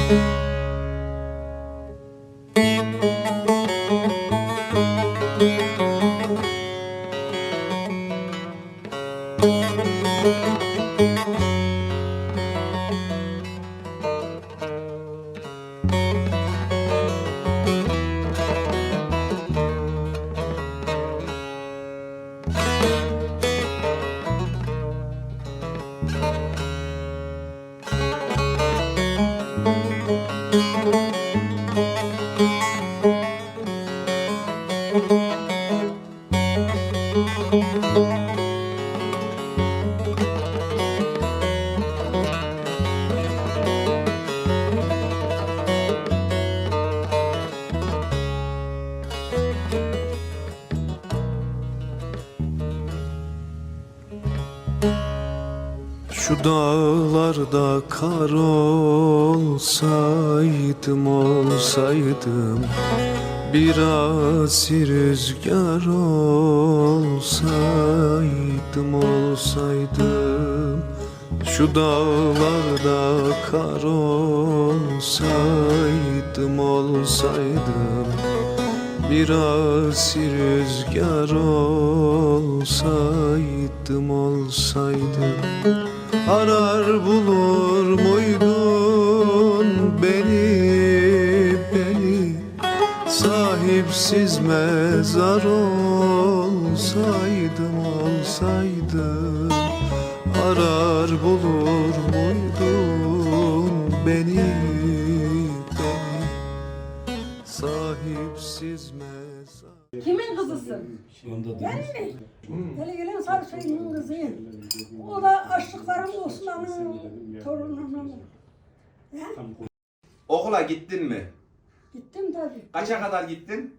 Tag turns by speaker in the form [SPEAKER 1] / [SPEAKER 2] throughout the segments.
[SPEAKER 1] Şu dağlarda kar olsaydım, biraz rüzgar olsaydım. Şu dağlarda kar olsaydım, biraz rüzgar olsaydım. Arar bulur muydun beni, sahipsiz mezar olsaydım. Arar bulur muydun beni, sahipsiz mezar.
[SPEAKER 2] Kimin kızısın? Ben mi? Hele gelen Sarıçay'ın kızıyım. O da açlıklarım Osman'ın torununun.
[SPEAKER 3] Okula gittin mi?
[SPEAKER 2] Gittim tabii.
[SPEAKER 3] Kaça kadar gittin?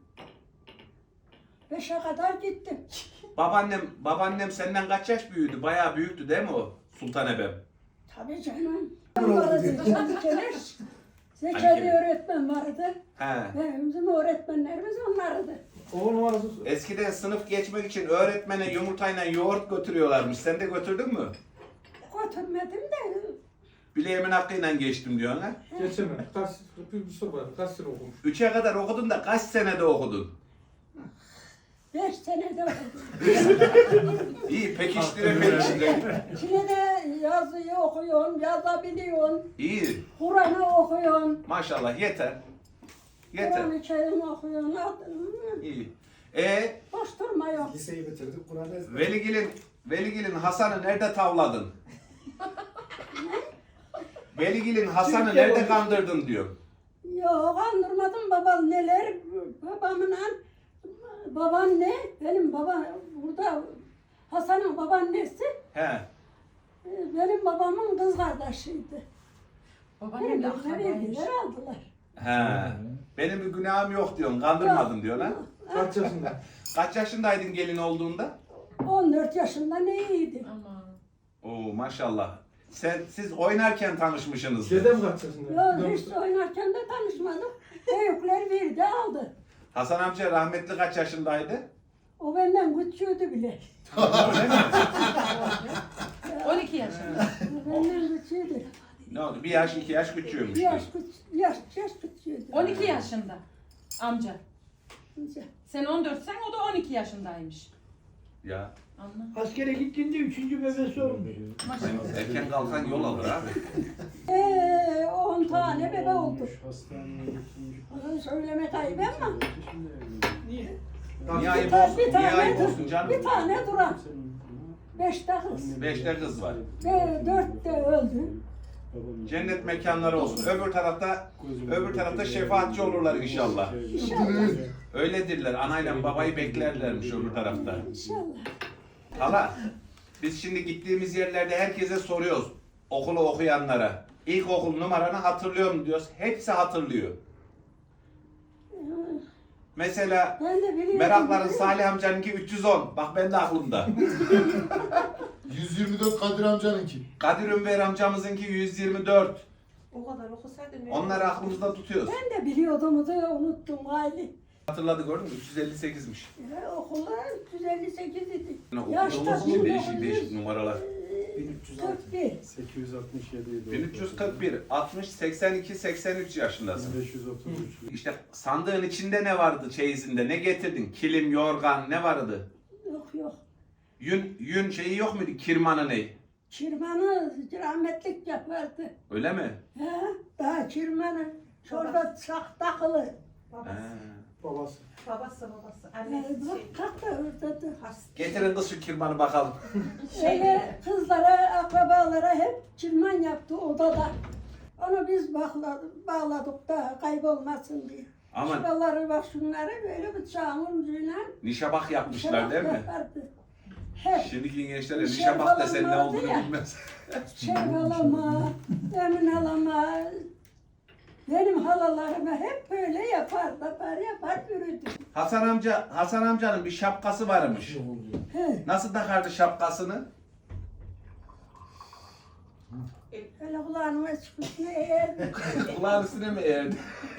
[SPEAKER 2] 5'e kadar gittim.
[SPEAKER 3] Babaannem senden kaç yaş büyüdü? Bayağı büyüktü değil mi o Sultan Ebem?
[SPEAKER 2] Tabii canım. Vardı Zeki'ler. Zekeri öğretmen vardı.
[SPEAKER 3] He.
[SPEAKER 2] Bizim öğretmenlerimiz onlardı.
[SPEAKER 3] Eskiden sınıf geçmek için öğretmene yumurtayla yoğurt götürüyorlarmış. Sen de götürdün mü?
[SPEAKER 2] Götürmedim de.
[SPEAKER 3] Bileğimin hakkıyla geçtim diyorsun ha?
[SPEAKER 4] Geçemem. Bir soru var. Kaç sene okumuş?
[SPEAKER 3] 3'e kadar okudun da kaç senede okudun?
[SPEAKER 2] 5 senede okudum.
[SPEAKER 3] İyi pekiştire.
[SPEAKER 2] İçine de yazıyı okuyorsun, yazabiliyorsun.
[SPEAKER 3] İyi.
[SPEAKER 2] Kur'an'ı okuyorsun.
[SPEAKER 3] Maşallah yeter.
[SPEAKER 2] Kur'an-ı Kerim okuyorsun.
[SPEAKER 3] İyi.
[SPEAKER 2] Boş durma yok.
[SPEAKER 5] Liseyi bitirdik. Kur'an'ı ezber.
[SPEAKER 3] Veligil'in Hasan'ı nerede tavladın? Veligil'in Hasan'ı nerede kandırdın diyor.
[SPEAKER 2] Yok kandırmadım babam neler. Babaanne, benim babam burada Hasan'ın babaannesi
[SPEAKER 3] He.
[SPEAKER 2] benim babamın kız kardeşiydi.
[SPEAKER 6] Babaannem de
[SPEAKER 2] Verdiler aldılar.
[SPEAKER 3] He. Benim bir günahım yok diyorsun. Kandırmadın diyor lan.
[SPEAKER 4] Kaç yaşında?
[SPEAKER 3] Kaç yaşındaydın gelin olduğunda?
[SPEAKER 2] 14 yaşında neydi?
[SPEAKER 6] Aman.
[SPEAKER 3] Oo maşallah. Siz oynarken tanışmışsınız.
[SPEAKER 4] Dedem kaç yaşında?
[SPEAKER 2] Yok hiç oynarken de tanışmadık. Büyükler verdi aldı.
[SPEAKER 3] Hasan amca rahmetli kaç yaşındaydı?
[SPEAKER 2] O benden küçüğüydü bile.
[SPEAKER 3] Öyle mi?
[SPEAKER 6] 12 yaşında.
[SPEAKER 2] O benden küçüğüydü.
[SPEAKER 3] Ne oldu? Bir yaş, 2 yaş küçüğümüş.
[SPEAKER 2] Yaş küçüğüydü.
[SPEAKER 6] 12 yaşında amca. Sen 14'sen o da 12 yaşındaymış.
[SPEAKER 3] Ya.
[SPEAKER 6] Anla.
[SPEAKER 7] Askere gittiğinde 3. bebesi olmuş.
[SPEAKER 6] Maşallah.
[SPEAKER 3] Erken kalkan yol alır abi.
[SPEAKER 2] 10 tane bebe oldu.
[SPEAKER 5] Hastaneye götürmüş.
[SPEAKER 2] Onu söylemek ayıp ama.
[SPEAKER 7] Niye?
[SPEAKER 3] Niye ayıp olsun? Niye ayıp olsun canım?
[SPEAKER 2] Bir tane duran. 5'te kız.
[SPEAKER 3] 5'te kız var.
[SPEAKER 2] 4 de öldü.
[SPEAKER 3] Cennet mekanları olsun. Öbür tarafta şefaatçi olurlar inşallah.
[SPEAKER 2] İnşallah.
[SPEAKER 3] Öyledirler. Anayla babayı beklerlermiş öbür tarafta.
[SPEAKER 2] İnşallah.
[SPEAKER 3] Hala, biz şimdi gittiğimiz yerlerde herkese soruyoruz. Okulu okuyanlara. İlkokul numaranı hatırlıyor mu diyoruz. Hepsi hatırlıyor. Mesela
[SPEAKER 2] Ben de biliyorum.
[SPEAKER 3] Merakların Salih amcanınki 310. Bak ben de aklımda.
[SPEAKER 5] 124 Kadir amcanınki.
[SPEAKER 3] Kadir Ünver amcamızınki 124.
[SPEAKER 6] O kadar okusaydın.
[SPEAKER 3] Onları aklımızda tutuyoruz.
[SPEAKER 2] Ben de biliyordum da unuttum hali.
[SPEAKER 3] Hatırladı gördün mü? 358'miş.
[SPEAKER 2] Okullar 358 idi.
[SPEAKER 3] Okulda
[SPEAKER 2] Yaşta
[SPEAKER 3] olsun değişik değişik numaralar.
[SPEAKER 2] 41.
[SPEAKER 5] 867 idi.
[SPEAKER 3] 1341, 60, 82, 83 yaşındasın.
[SPEAKER 5] 1533.
[SPEAKER 3] İşte sandığın içinde ne vardı çeyizinde? Ne getirdin? Kilim, yorgan ne vardı?
[SPEAKER 2] Yok.
[SPEAKER 3] Yün şeyi yok muydu? Kirmanı ne?
[SPEAKER 2] Çirmanı rahmetlik yapardı.
[SPEAKER 3] Öyle mi?
[SPEAKER 2] He, daha çirmanı. Şurada çak takılı.
[SPEAKER 3] He.
[SPEAKER 5] Babası.
[SPEAKER 6] Babası.
[SPEAKER 2] Bak
[SPEAKER 6] Annesi şey.
[SPEAKER 2] kalk da oradadır.
[SPEAKER 3] Getirin kız şu kirmanı bakalım.
[SPEAKER 2] Öyle kızlara, akrabalara hep çirman yaptı odada. Onu biz bağladık da kaybolmasın diye.
[SPEAKER 3] Aman
[SPEAKER 2] Şuraları bak şunları böyle bıçağın ucuyla
[SPEAKER 3] nişabak yapmışlar değil mi?
[SPEAKER 2] yapardı. Hep
[SPEAKER 3] Şimdiki gençlere
[SPEAKER 2] Bir şey
[SPEAKER 3] nişabak desen ne
[SPEAKER 2] falan
[SPEAKER 3] olduğunu
[SPEAKER 2] vardı ya.
[SPEAKER 3] bilmez.
[SPEAKER 2] çerbalama, emin alama. Benim halalarıma hep böyle yapar yürüdü.
[SPEAKER 3] Hasan amcanın bir şapkası varmış.
[SPEAKER 2] He,
[SPEAKER 3] Nasıl takardı şapkasını?
[SPEAKER 2] öyle kulağıma çıkmış ne eğerdi.
[SPEAKER 3] Kulağın üstüne mi eğerdi?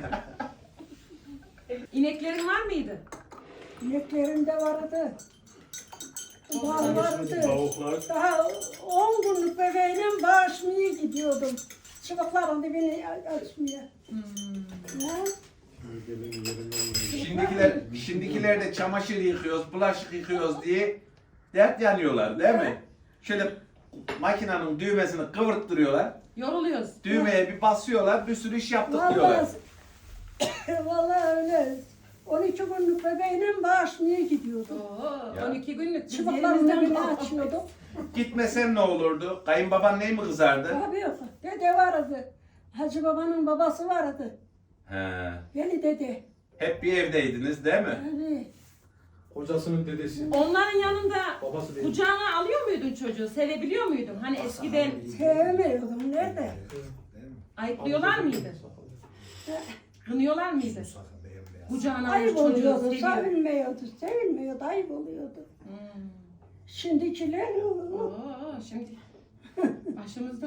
[SPEAKER 6] İneklerin var mıydı?
[SPEAKER 2] İneklerim de vardı. Bal vardı.
[SPEAKER 5] Tavuklar.
[SPEAKER 2] Daha 10 günlük bebeğine bağışmaya gidiyordum. Çıbıkların dibini açmaya. Ya,
[SPEAKER 5] Gelin yerinden
[SPEAKER 3] Şimdikiler de çamaşır yıkıyoruz, bulaşık yıkıyoruz diye dert yanıyorlar değil mi? Şöyle makinenin düğmesini kıvırttırıyorlar.
[SPEAKER 6] Yoruluyoruz.
[SPEAKER 3] Düğmeye bir basıyorlar, bir sürü iş yaptık diyorlar.
[SPEAKER 2] vallahi öyle. 12 günlük bebeğine bağışmaya gidiyordum.
[SPEAKER 6] Oo,
[SPEAKER 3] Ya.
[SPEAKER 6] 12 günlük. Biz
[SPEAKER 2] Çıbıkların
[SPEAKER 6] yerimizden
[SPEAKER 2] dibini
[SPEAKER 6] kalktık.
[SPEAKER 2] açıyordum.
[SPEAKER 3] Gitmesen ne olurdu? Kayınbaban ney mi kızardı?
[SPEAKER 2] Abi yok. Dede vardı. Hacı babanın babası vardı.
[SPEAKER 3] He.
[SPEAKER 2] Beni dede.
[SPEAKER 3] Hep bir evdeydiniz değil mi?
[SPEAKER 2] Abi,
[SPEAKER 4] Kocasının dedesi.
[SPEAKER 6] Onların yanında
[SPEAKER 4] Babası değil.
[SPEAKER 6] kucağına alıyor muydun çocuğu? Sevebiliyor muydun? Hani eskiden
[SPEAKER 2] sevmiyordum. Nerede?
[SPEAKER 6] ayıplıyorlar mıydı? Kınıyorlar mıydı? Kucağına alır
[SPEAKER 2] Ayıp
[SPEAKER 6] çocuğu
[SPEAKER 2] oluyordu.
[SPEAKER 6] seviyor.
[SPEAKER 2] Sevilmiyordu. Ayıp oluyordu. Şimdikiler
[SPEAKER 6] Oo, şimdi başımızda.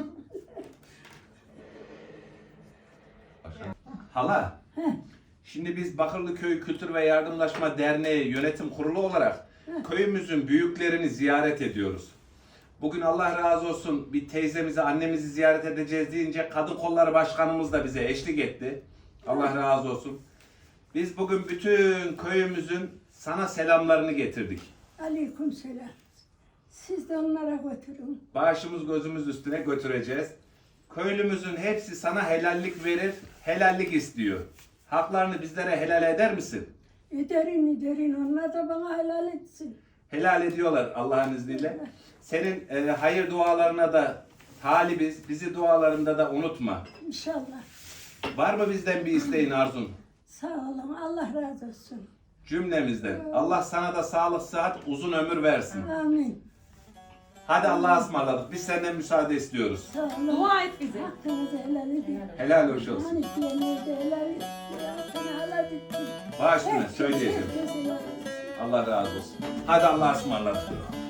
[SPEAKER 3] Hala.
[SPEAKER 2] Heh.
[SPEAKER 3] Şimdi biz Bakırlıköy Kültür ve Yardımlaşma Derneği Yönetim Kurulu olarak köyümüzün büyüklerini ziyaret ediyoruz. Bugün Allah razı olsun bir teyzemizi, annemizi ziyaret edeceğiz deyince Kadın Kolları Başkanımız da bize eşlik etti. Allah razı olsun. Biz bugün bütün köyümüzün sana selamlarını getirdik.
[SPEAKER 2] aleyküm selam. Siz de onlara götürün.
[SPEAKER 3] Başımız gözümüz üstüne götüreceğiz. Köylümüzün hepsi sana helallik verir, helallik istiyor. Haklarını bizlere helal eder misin?
[SPEAKER 2] Ederin. Onlar da bana helal etsin.
[SPEAKER 3] Helal ediyorlar Allah'ın izniyle. Senin hayır dualarına da talibiz. Bizi dualarında da unutma.
[SPEAKER 2] İnşallah.
[SPEAKER 3] Var mı bizden bir isteğin, arzun?
[SPEAKER 2] Sağ olun. Allah razı olsun.
[SPEAKER 3] Cümlemizden. Allah sana da sağlık, sıhhat, uzun ömür versin.
[SPEAKER 2] Amin.
[SPEAKER 3] Hadi Allah'a ısmarladık. Biz senden müsaade istiyoruz.
[SPEAKER 2] Sağ olun.
[SPEAKER 6] Dua et bize.
[SPEAKER 2] Hakkınızı helal edin.
[SPEAKER 3] Helal hoş olsun.
[SPEAKER 2] Hani diyenler de helal etsin. Hakkını helal etsin.
[SPEAKER 3] Baş üstüne
[SPEAKER 2] Herkes
[SPEAKER 3] söyleyeceğim.
[SPEAKER 2] helal etsin.
[SPEAKER 3] Allah razı olsun. Hadi Allah'a ısmarladık.